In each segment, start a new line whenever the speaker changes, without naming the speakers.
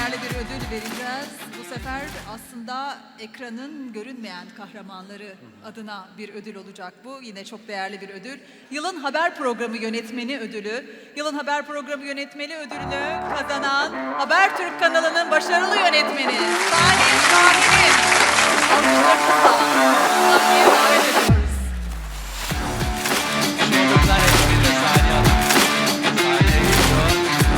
değerli bir ödül vereceğiz. Bu sefer aslında ekranın görünmeyen kahramanları adına bir ödül olacak bu. Yine çok değerli bir ödül. Yılın Haber Programı Yönetmeni Ödülü. Yılın Haber Programı Yönetmeni Ödülünü kazanan Habertürk kanalının başarılı yönetmeni Salih Şahin'i alkışlarınızla sahneye davet ediyoruz.
Şovundan eşliğinde Saniye Hanım. Sahneye geliyor.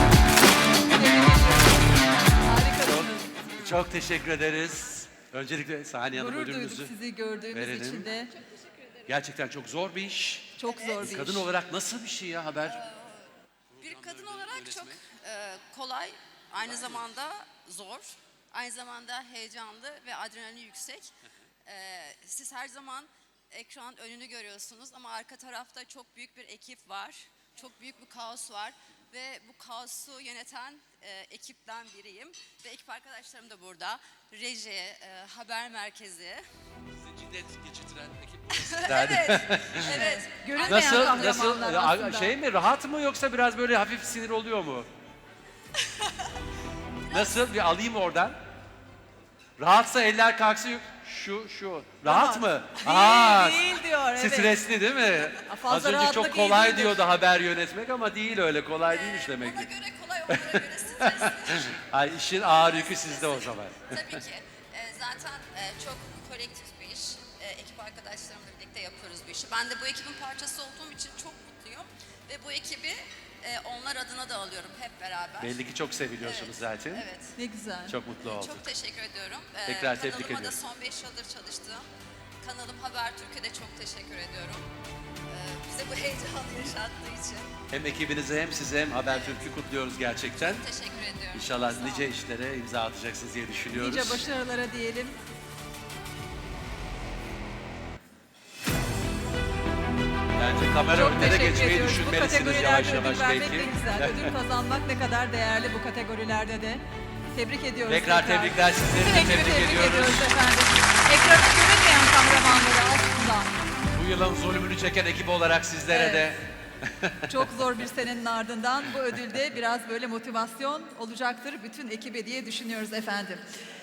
Harikasınız.
Çok teşekkür ederiz. Öncelikle Saniye Hanım
Gurur duyduk
ödülünüzü
sizi gördüğümüz
verelim.
için de.
Gerçekten çok zor bir iş.
Çok zor bir
Kadın
iş.
olarak nasıl bir şey ya haber?
Bir kadın olarak çok kolay, aynı zamanda zor, aynı zamanda heyecanlı ve adrenalini yüksek. Siz her zaman ekran önünü görüyorsunuz ama arka tarafta çok büyük bir ekip var, çok büyük bir kaos var ve bu kaosu yöneten ekipten biriyim. Ve ekip arkadaşlarım da burada, reji, haber merkezi.
Sizi cinnet geçirtiren ekip burası.
Evet, evet.
Görünmeyen kahramanlar aslında.
Şey mi, rahat mı yoksa biraz böyle hafif sinir oluyor mu? Nasıl, bir alayım oradan. Rahatsa eller kalksın. Şu. Rahat mı?
Değil diyor, evet.
Stresli değil mi?
Fazla
Az önce
rahatlık
çok
iyi
kolay
değildir.
diyordu haber yönetmek ama değil öyle, kolay değilmiş demek
Ona
ki.
göre kolay, onlara göre stresli.
Ay, işin ağır yükü sizde o zaman.
Tabii ki. Zaten çok kolektif bir iş. Ekip arkadaşlarımla birlikte yapıyoruz bu işi. Ben de bu ekibin parçası olduğum için çok mutluyum. Ve bu ekibi onlar adına da alıyorum hep beraber.
Belli ki çok seviliyorsunuz zaten.
Evet.
Ne güzel.
Çok mutlu olduk.
Çok teşekkür ediyorum.
Tekrar tebrik
Kanalıma
ediyorum.
da son 5 yıldır çalıştım. Kanalım Habertürk'e de çok teşekkür ediyorum. Bize bu heyecanı yaşattığı için.
Hem ekibinize hem size hem Habertürk'ü kutluyoruz gerçekten.
Teşekkür ediyorum.
İnşallah
Sağ olun.
nice işlere imza atacaksınız diye düşünüyoruz.
Nice başarılara diyelim.
Bence kamera
Çok
önüne de
teşekkür
geçmeyi
ediyoruz. Bu
düşünmelisiniz
kategorilerde
yavaş
ödül
yavaş
vermek
belki.
ne güzel. Ödül kazanmak ne kadar değerli bu kategorilerde de. Tebrik ediyoruz.
Tekrar tebrikler, sizleri
Bütün
de
ekibi
tebrik ediyoruz.
efendim. Ekranı görünmeyen kahramanları aslında.
Bu yılın zulmünü çeken ekip olarak sizlere
Evet.
de
Çok zor bir senenin ardından bu ödülde biraz böyle motivasyon olacaktır bütün ekibe diye düşünüyoruz efendim.